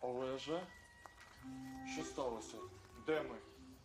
Олеже? Що сталося? Де ми?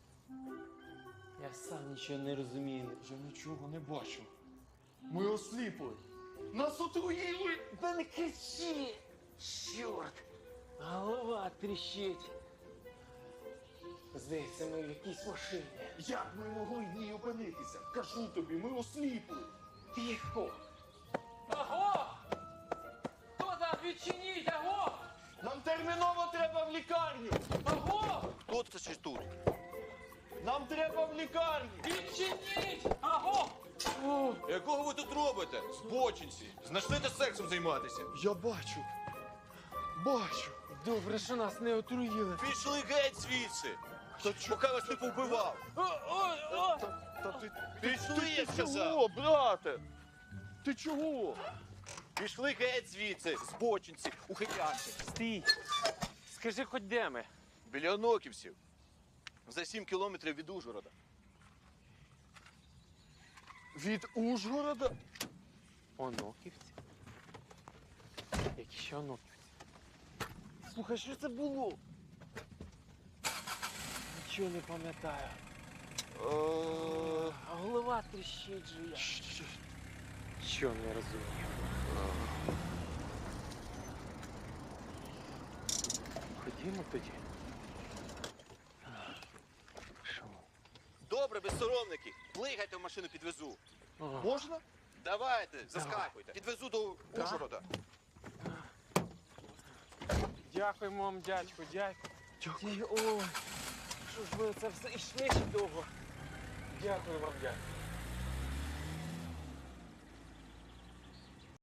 Я сам нічого не розумію. Я нічого не бачу. Ми осліпли. Нас отруїли! Та не кричи! Чорт! Голова тріщить. Здається, ми в якійсь машині. Як ми могли в ній опинитися? Кажу тобі, ми осліпли. Тихо! Аго! Хто там? Відчиніть, аго! Нам терміново треба в лікарню! Аго! Хто це чи тут? Нам треба в лікарню! Відчиніть! Аго! Якого ви тут робите? Збочинці! Знайшли де сексом займатися? Я бачу. Бачу. Добре, що нас не отруїли. Пішли геть звідси! Поки вас не повбивав! Та ти... Пішли, я сказав! Чого, брате? Ти чого? Пішли геть звідси, збочинці, ухилянки! Стій! Скажи, хоч де ми? Біля Оноківців. За 7 кілометрів від Ужгорода. Від Ужгорода? Оноківці? Які ще оноківці? Слухай, що це було? Нічого не пам'ятаю. А голова тріщить же я. Що не розумію? Ходімо тоді. Що? Добре, безсоромники, плигайте в машину, підвезу. Можна? Давайте, заскакуйте. Підвезу до Ужгорода. Дякуємо вам, дядьку, дякую. Дякую. Ой, що ж ви це все йшли ще довго. Дякую вам, дядьку.